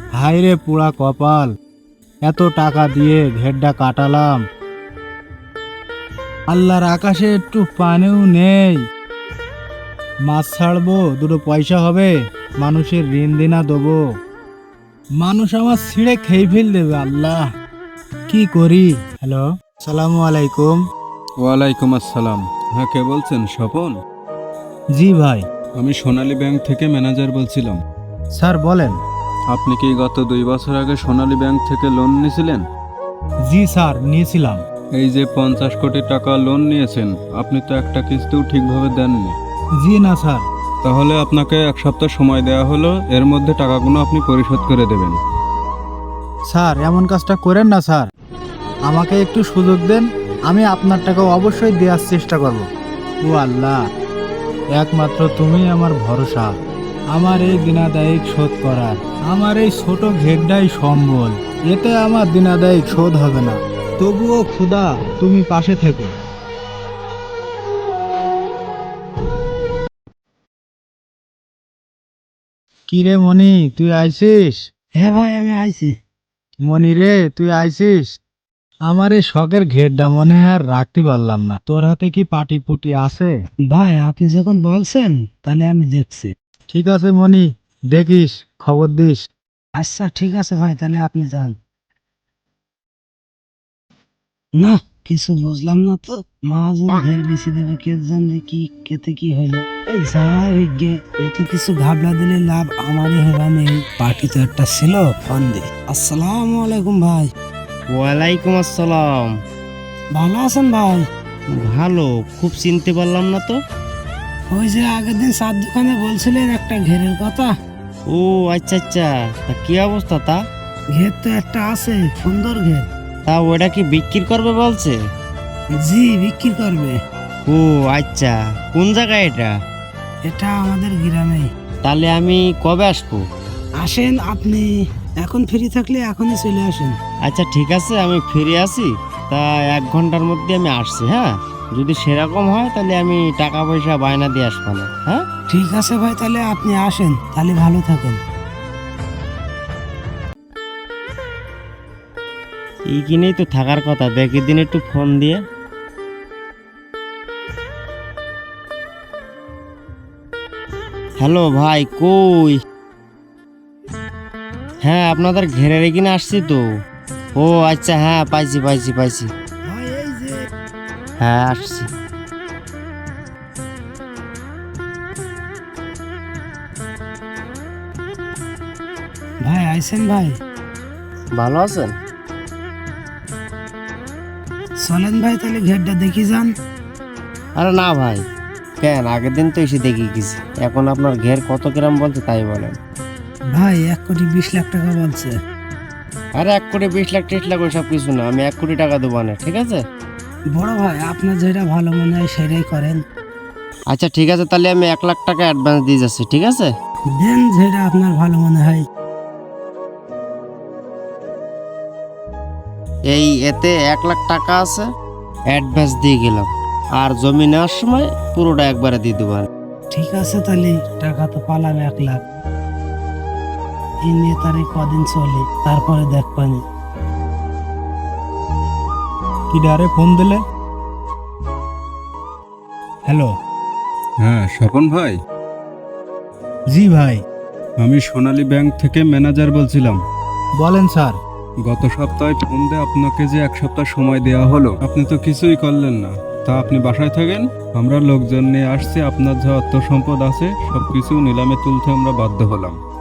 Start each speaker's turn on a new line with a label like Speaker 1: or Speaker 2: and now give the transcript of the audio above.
Speaker 1: হায় রে পুরা কপাল, এত টাকা দিয়ে ঘেরটা কাটালাম, আল্লাহর আকাশে একটু পানিও নেই। মাছ ছাড়বো, দুটো পয়সা হবে, মানুষের ঋণ দেনা দেবো, মানুষ আমার ছিঁড়ে খেয়ে ফেল দেবে। আল্লাহ, কি করি? হ্যালো, সালামু আলাইকুম।
Speaker 2: ওয়ালাইকুম আসসালাম। হ্যাঁ, কে বলছেন? স্বপন?
Speaker 1: জি ভাই।
Speaker 2: আমি সোনালী ব্যাংক থেকে ম্যানেজার বলছিলাম।
Speaker 1: স্যার বলেন।
Speaker 2: আপনি কি গত 2 বছর আগে সোনালী ব্যাংক থেকে লোন নিয়েছিলেন?
Speaker 1: জি স্যার, নিয়েছিলাম।
Speaker 2: এই যে 50 কোটি টাকা লোন নিয়েছেন, আপনি তো একটা কিস্তিও ঠিকভাবে দেননি।
Speaker 1: জি না স্যার।
Speaker 2: তাহলে আপনাকে 1 সপ্তাহ সময় দেওয়া হলো, এর মধ্যে টাকাগুলো আপনি পরিশোধ করে দেবেন।
Speaker 1: স্যার এমন কাজটা করেন না স্যার, আমাকে একটু সুযোগ দেন, আমি আপনার টাকা অবশ্যই দেওয়ার চেষ্টা করব। ও আল্লাহ, একমাত্র তুমি আমার ভরসা, আমার এই দিনাদায়িক শোধ করার। আমার এই ছোট ঘেরটাই সম্বল, এতে আমার দিনাদায়িক শোধ হবে না। তবুও খুদা, তুমি পাশে থেকো। কিরে মনি, তুই আইছিস?
Speaker 3: হ্যাঁ ভাই, আমি আইছি।
Speaker 1: মনি রে, তুই আইছিস? আমার এই শখের ঘেরটা মনে হয় আর রাখতে পারলাম না। তোর হাতে কি পাটি পুটি আছে?
Speaker 3: ভাই আপনি যখন বলছেন তাহলে আমি দেখছি।
Speaker 1: ঠিক আছে মনি, দেখিস, খবর দিস।
Speaker 3: আচ্ছা ঠিক আছে ভাই, তাহলে আপনি যান। না, কিছু বুঝলাম না তো। মহাজন ঘের বেশি দেবে, কে জানে কি কেতে কি হইলো। এই যাই গে, একটু কিছু ঘাবলা দিলে লাভ আমারই হবে না। এই পার্টি তো একটা ছিল, ফোন দে। আসসালামু আলাইকুম ভাই।
Speaker 4: ওয়ালাইকুম আসসালাম।
Speaker 3: ভালো আছেন ভাই?
Speaker 4: ভালো, খুব চিনতে পারলাম না তো।
Speaker 3: ওই যে আগের দিন চার দোকানে বলছিলেন একটা ঘেরের কথা।
Speaker 4: ও আচ্ছা আচ্ছা, তা কি অবস্থা তা?
Speaker 3: ঘের তো একটা আছে, সুন্দর ঘের।
Speaker 4: তা ওটা কি বিক্রি করবে বলছে?
Speaker 3: জি, বিক্রি করবে।
Speaker 4: ও আচ্ছা, কোন জায়গায় এটা?
Speaker 3: এটা আমাদের গ্রামে।
Speaker 4: তাহলে আমি কবে আসবো?
Speaker 3: আসেন আপনি, এখন ফ্রি থাকলে এখনই চলে আসেন।
Speaker 4: আচ্ছা ঠিক আছে, আমি ফিরে আসি। তা 1 ঘন্টার মধ্যে আমি আসছি। হ্যাঁ, যদি সেরকম হয় তাহলে আমি টাকা পয়সা বায়না দিয়ে আসবো না। হ্যাঁ
Speaker 3: ঠিক আছে ভাই, তাহলে আপনি আসেন, তাহলে ভালো থাকেন।
Speaker 4: এইখানেই তো থাকার কথা, দেখি দিন একটু ফোন দিয়ে। হ্যালো ভাই, কই? হ্যাঁ, আপনাদের ঘেরের এখানে আসছি তো। ও আচ্ছা, হ্যাঁ পাইছি পাইছি পাইছি।
Speaker 3: ভাই এই যে।
Speaker 4: হ্যাঁ আসছি।
Speaker 3: ভাই আইছেন ভাই?
Speaker 4: ভালো আছেন?
Speaker 3: চলেন ভাই, তাহলে ঘেরটা দেখি যান।
Speaker 4: আরে না ভাই, কেন, আগের দিন তো এসে দেখে গেছি। এখন আপনার ঘের কত গ্রাম বলছে তাই বলেন।
Speaker 3: ভাই 1,20,00,000 টাকা বলছে।
Speaker 4: আরে 1 কোটি 20 লাখ 30 লাখ ওইসব কিছু না, আমি 1 কোটি টাকা দেবো না, ঠিক আছে?
Speaker 3: বড় ভাই, আপনার যেটা ভালো মনে হয় সেটাই করেন।
Speaker 4: আচ্ছা ঠিক আছে, তাহলে আমি 1 লাখ টাকা অ্যাডভান্স দিয়ে যাচ্ছি, ঠিক আছে?
Speaker 3: দেন যেটা আপনার ভালো মনে হয়।
Speaker 4: এই এতে 1 লাখ টাকা আছে, অ্যাডভান্স দিয়ে গেলাম। আর জমি নেওয়ার সময় পুরোটা একবারে দিয়ে দেবো।
Speaker 3: ঠিক আছে, তাহলে টাকা তো পালাম 1 লাখ। এই নিয়ে তার কদিন চলে, তারপরে দেখবানি।
Speaker 1: কি ডারে ফোন দিলে? হ্যালো।
Speaker 2: হ্যাঁ স্বপন ভাই,
Speaker 1: জি ভাই।
Speaker 2: আমি সোনালী ব্যাংক থেকে ম্যানেজার বলছিলাম।
Speaker 1: বলেন স্যার।
Speaker 2: গত সপ্তাহে ফোন দিয়ে আপনাকে যে 1 সপ্তাহ সময় দেওয়া হলো, আপনি তো কিছুই করলেন না। তা আপনি বাসায় থাকেন, আমরা লোকজন নিয়ে আসছি, আপনার যা অর্থ সম্পদ আছে সবকিছু নিলামে তুলতে আমরা বাধ্য হলাম।